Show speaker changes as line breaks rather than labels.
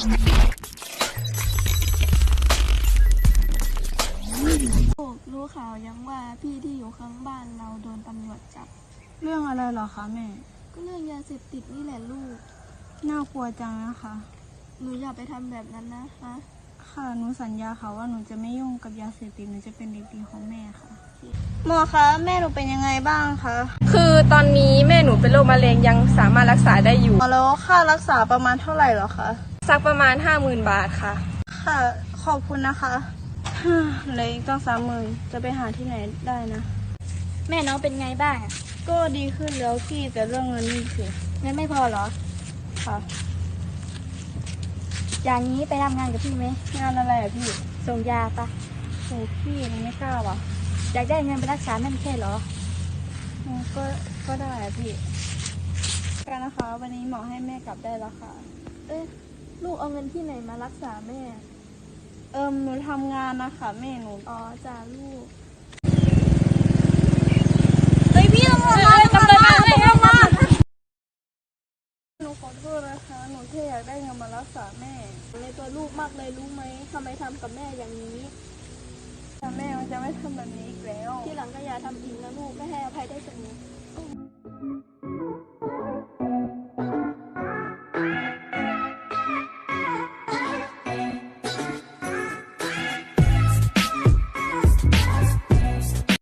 รู้ข่าวยังว่าพี่ที่อยู่ข้างบ้านเราโดนตำรวจจับ
เรื่องอะไรเหรอคะแม่
ก็เรื่องยาเสพติดนี่แหละลูก
น่ากลัวจังนะคะ
หนูอย่าไปทำแบบนั้นนะฮะ
ค่ะหนูสัญญาค่ะว่าหนูจะไม่ยุ่งกับยาเสพติดหนูจะเป็นเด็กดีของแม่ค่ะหมอคะแม่หนูเป็นยังไงบ้างคะ
คือตอนนี้แม่หนูเป็นโรคมะเร็งยังสามารถรักษาได้อยู่
แล้วค่ารักษาประมาณเท่าไหร่เหรอคะ
สักประมาณ 50,000 บาทค่ะ
ค่ะขอบคุณนะคะเหลืออีกตั้ง30,000จะไปหาที่ไหนได้นะ
แม่น้องเป็นไงบ้าง
ก็ดีขึ้นแล้วพี่แต่เรื่องเงินนี่สิ
เงินไม่พอเหรอ
ค่ะ
อย่างนี้ไปทำงานกับพี่ไหม
งานอะไรอะพี่
ส่งยาปะ
โอ้พี่หนูไม่กล้าว่ะ
อยากได้เงินไปรักษาแม่ไม่ใช่เหรอ
ก็ได้อะพี่กันนะคะวันนี้หมอให้แม่กลับได้แล้วค่ะ
ลูกเอาเงินที่ไหนมารักษาแม่
หนูทำงานนะคะแม่หนู
อ๋อจ้าลูก
พี่ตำรวจมาตำรวจมาหนูขอโทษนะคะหนูแค่อยากได้เงินมารักษาแม่
ในตัวลูกมากเลยรู้ไหมทำไมทำกับแม่อย่างนี้
แต่แม่มันจะไม่ทำแบบนี้อีกแล้ว
ที่หลังก็อย่าทำอีกนะลูกไม่ให้อภัยได้เสมอ